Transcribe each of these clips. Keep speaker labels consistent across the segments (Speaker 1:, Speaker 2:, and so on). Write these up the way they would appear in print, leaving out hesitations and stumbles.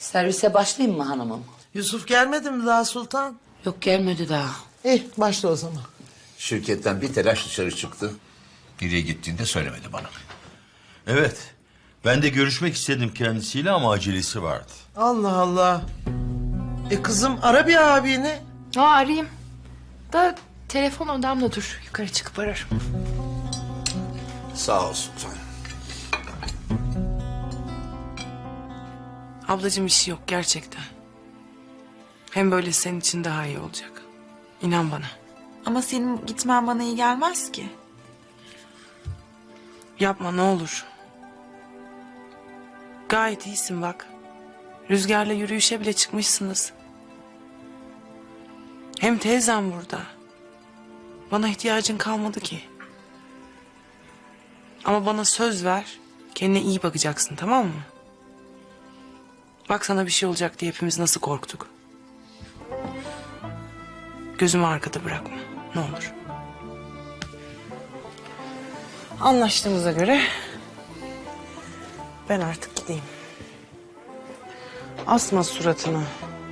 Speaker 1: Servise başlayayım mı hanımım?
Speaker 2: Yusuf gelmedi mi daha Sultan?
Speaker 1: Yok gelmedi daha.
Speaker 2: İyi başla o zaman.
Speaker 3: Şirketten bir telaş dışarı çıktı. Nereye gittiğini de söylemedi bana.
Speaker 4: Evet. Ben de görüşmek istedim kendisiyle ama acelesi vardı.
Speaker 2: Allah Allah. Kızım ara bir abini.
Speaker 5: Arayayım. Da telefon odamda dur. Yukarı çıkıp ararım.
Speaker 3: Sağ ol Sultan.
Speaker 6: Ablacığım işi yok gerçekten. Hem böyle senin için daha iyi olacak. İnan bana.
Speaker 7: Ama senin gitmen bana iyi gelmez ki.
Speaker 6: Yapma ne olur. Gayet iyisin bak. Rüzgarla yürüyüşe bile çıkmışsınız. Hem teyzem burada. Bana ihtiyacın kalmadı ki. Ama bana söz ver. Kendine iyi bakacaksın, tamam mı? Bak sana bir şey olacak diye hepimiz nasıl korktuk. Gözümü arkada bırakma. Ne olur. Anlaştığımıza göre ben artık gideyim. Asma suratını.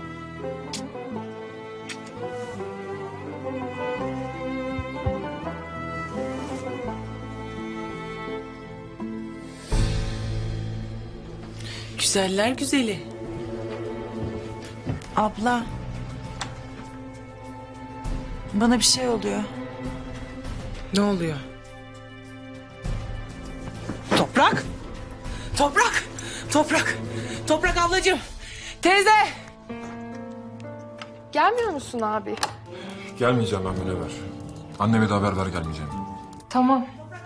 Speaker 6: Güzeller güzeli.
Speaker 7: Abla. Bana bir şey oluyor.
Speaker 6: Ne oluyor? Toprak! Toprak! Toprak! Toprak ablacığım! Teyze!
Speaker 5: Gelmiyor musun abi?
Speaker 8: Gelmeyeceğim ben Münevver. Anneme de haber ver gelmeyeceğim.
Speaker 5: Tamam.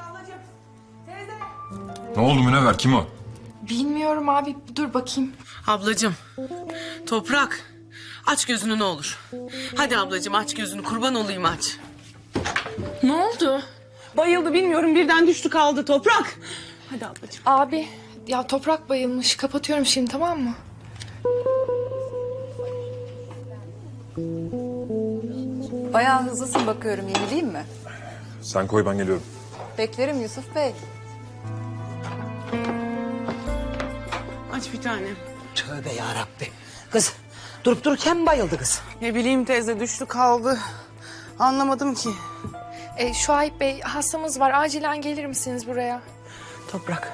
Speaker 8: Ne oldu Münevver? Kim o?
Speaker 5: Bilmiyorum abi. Dur bakayım.
Speaker 6: Ablacığım, Toprak. Aç gözünü ne olur. Hadi ablacığım aç gözünü, kurban olayım aç.
Speaker 5: Ne oldu?
Speaker 6: Bayıldı bilmiyorum, birden düştü kaldı Toprak. Hadi ablacığım.
Speaker 5: Abi ya Toprak bayılmış. Kapatıyorum şimdi, tamam mı?
Speaker 9: Bayağı hızlısın bakıyorum, yenileyim mi?
Speaker 8: Sen koy ben geliyorum.
Speaker 9: Beklerim Yusuf Bey.
Speaker 6: Aç bir tane.
Speaker 1: Tövbe yarabbi. Kız durup dururken bayıldı kız.
Speaker 6: Ne bileyim teyze, düştü kaldı. Anlamadım ki.
Speaker 5: Şuayb Bey, hastamız var. Acilen gelir misiniz buraya?
Speaker 6: Toprak.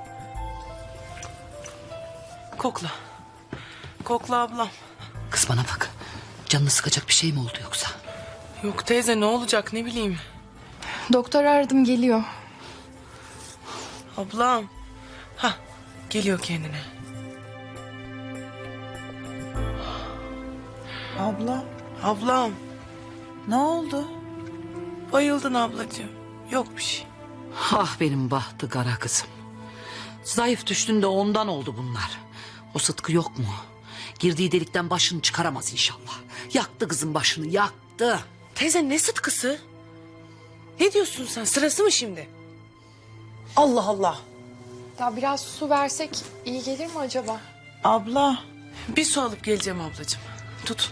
Speaker 6: Kokla. Kokla ablam.
Speaker 1: Kız bana bak. Canını sıkacak bir şey mi oldu yoksa?
Speaker 6: Yok teyze, ne olacak ne bileyim.
Speaker 5: Doktor aradım, geliyor.
Speaker 6: Ablam. Ha, geliyor kendine.
Speaker 7: Abla.
Speaker 6: Ablam.
Speaker 7: Ne oldu?
Speaker 6: Bayıldın ablacığım. Yok bir şey.
Speaker 1: Ah benim bahtı kara kızım. Zayıf düştün de ondan oldu bunlar. O Sıtkı yok mu? Girdiği delikten başını çıkaramaz inşallah. Yaktı kızın başını, yaktı.
Speaker 6: Teyze ne sıtkısı? Ne diyorsun sen? Sırası mı şimdi? Allah Allah.
Speaker 5: Ya biraz su versek iyi gelir mi acaba?
Speaker 7: Abla.
Speaker 6: Bir su alıp geleceğim ablacığım. Tut.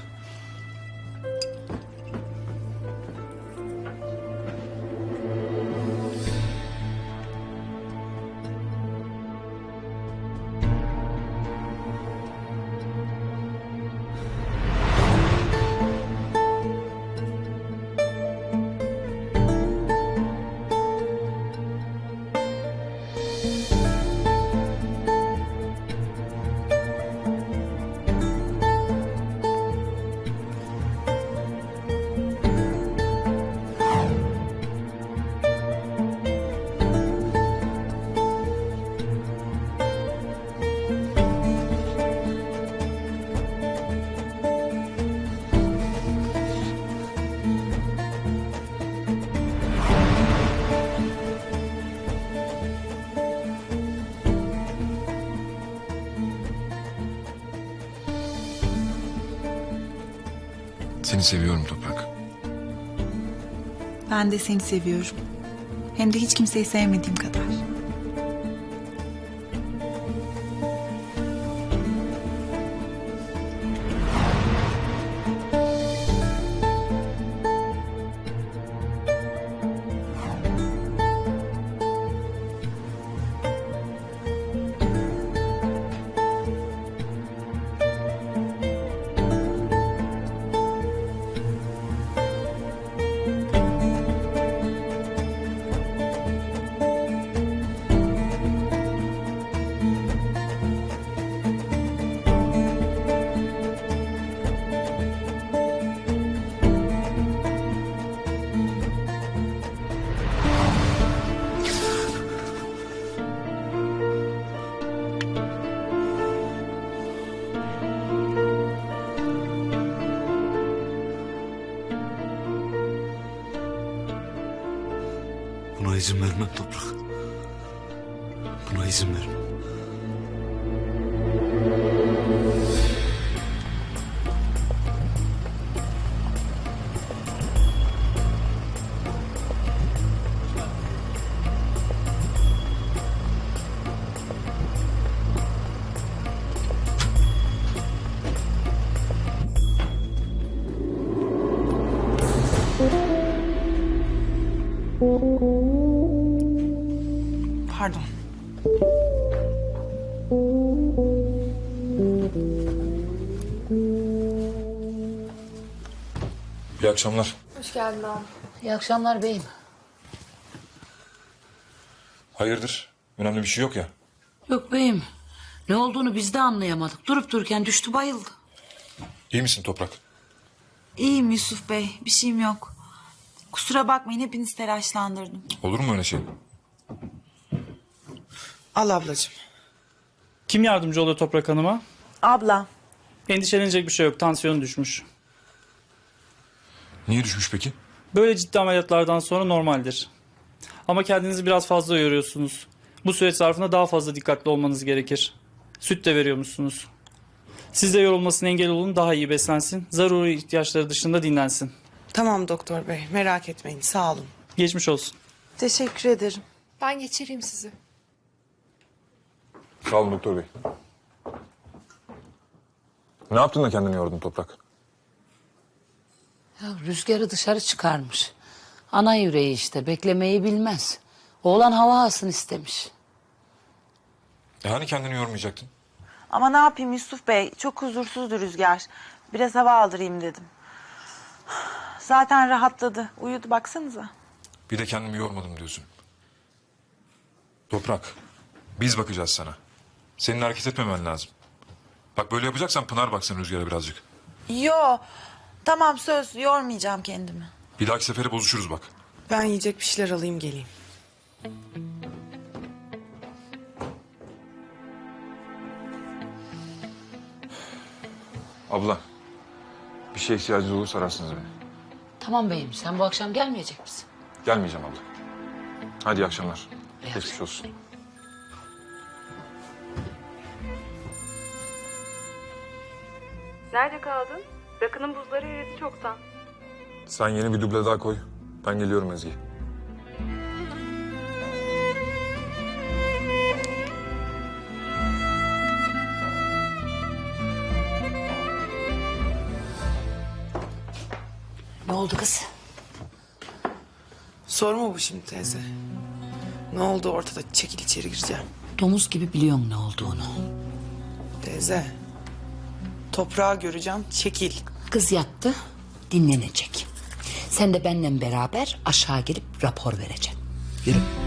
Speaker 8: Seni seviyorum Toprak.
Speaker 7: Ben de seni seviyorum. Hem de hiç kimseyi sevmediğim kadar.
Speaker 10: izin vermem Toprak. Buna izin vermem.
Speaker 6: Pardon.
Speaker 8: İyi akşamlar.
Speaker 5: Hoş geldin abi.
Speaker 1: İyi akşamlar beyim.
Speaker 8: Hayırdır? Önemli bir şey yok ya.
Speaker 1: Yok beyim. Ne olduğunu biz de anlayamadık. Durup dururken düştü bayıldı.
Speaker 8: İyi misin Toprak?
Speaker 7: İyiyim Yusuf Bey. Bir şeyim yok. Kusura bakmayın hepinizi telaşlandırdım.
Speaker 8: Olur mu öyle şey?
Speaker 6: Al ablacığım.
Speaker 11: Kim yardımcı oluyor Toprak Hanım'a?
Speaker 7: Abla.
Speaker 11: Endişelenecek bir şey yok. Tansiyonu düşmüş.
Speaker 8: Niye düşmüş peki?
Speaker 11: Böyle ciddi ameliyatlardan sonra normaldir. Ama kendinizi biraz fazla yoruyorsunuz. Bu süreç zarfında daha fazla dikkatli olmanız gerekir. Süt de veriyormuşsunuz. Siz de yorulmasına engel olun, daha iyi beslensin. Zaruri ihtiyaçları dışında dinlensin.
Speaker 6: Tamam doktor bey, merak etmeyin, sağ olun.
Speaker 11: Geçmiş olsun.
Speaker 7: Teşekkür ederim.
Speaker 5: Ben geçireyim sizi.
Speaker 8: Sağ olun doktor bey. Ne yaptın da kendini yordun Toprak?
Speaker 1: Ya rüzgarı dışarı çıkarmış. Ana yüreği işte beklemeyi bilmez. Oğlan hava alsın istemiş.
Speaker 8: Hani kendini yormayacaktın?
Speaker 7: Ama ne yapayım Yusuf Bey? Çok huzursuzdu Rüzgar. Biraz hava aldırayım dedim. Zaten rahatladı. Uyudu baksanıza.
Speaker 8: Bir de kendimi yormadım diyorsun. Toprak, biz bakacağız sana. Senin hareket etmemen lazım. Bak böyle yapacaksan Pınar baksın Rüzgar'a birazcık.
Speaker 7: Yo. Tamam söz. Yormayacağım kendimi.
Speaker 8: Bir dahaki sefere bozuşuruz bak.
Speaker 6: Ben yiyecek bir şeyler alayım geleyim.
Speaker 8: Abla, bir şeye ihtiyacınız olursa ararsınız beni.
Speaker 1: Tamam beyim sen bu akşam gelmeyecek misin?
Speaker 8: Gelmeyeceğim abla. Hadi iyi akşamlar.
Speaker 1: İyi
Speaker 8: Geçmiş olsun.
Speaker 9: Nerede kaldın? Rakının buzları eridi çoktan.
Speaker 8: Sen yeni bir duble daha koy. Ben geliyorum Ezgi.
Speaker 1: Ne oldu kız?
Speaker 6: Sorma bu şimdi teyze. Ne oldu ortada? Çekil içeri gireceğim.
Speaker 1: Domuz gibi biliyorum ne olduğunu.
Speaker 6: Teyze. Toprağı göreceğim, çekil.
Speaker 1: Kız yattı, dinlenecek. Sen de benimle beraber aşağı gelip rapor vereceksin. Yürü.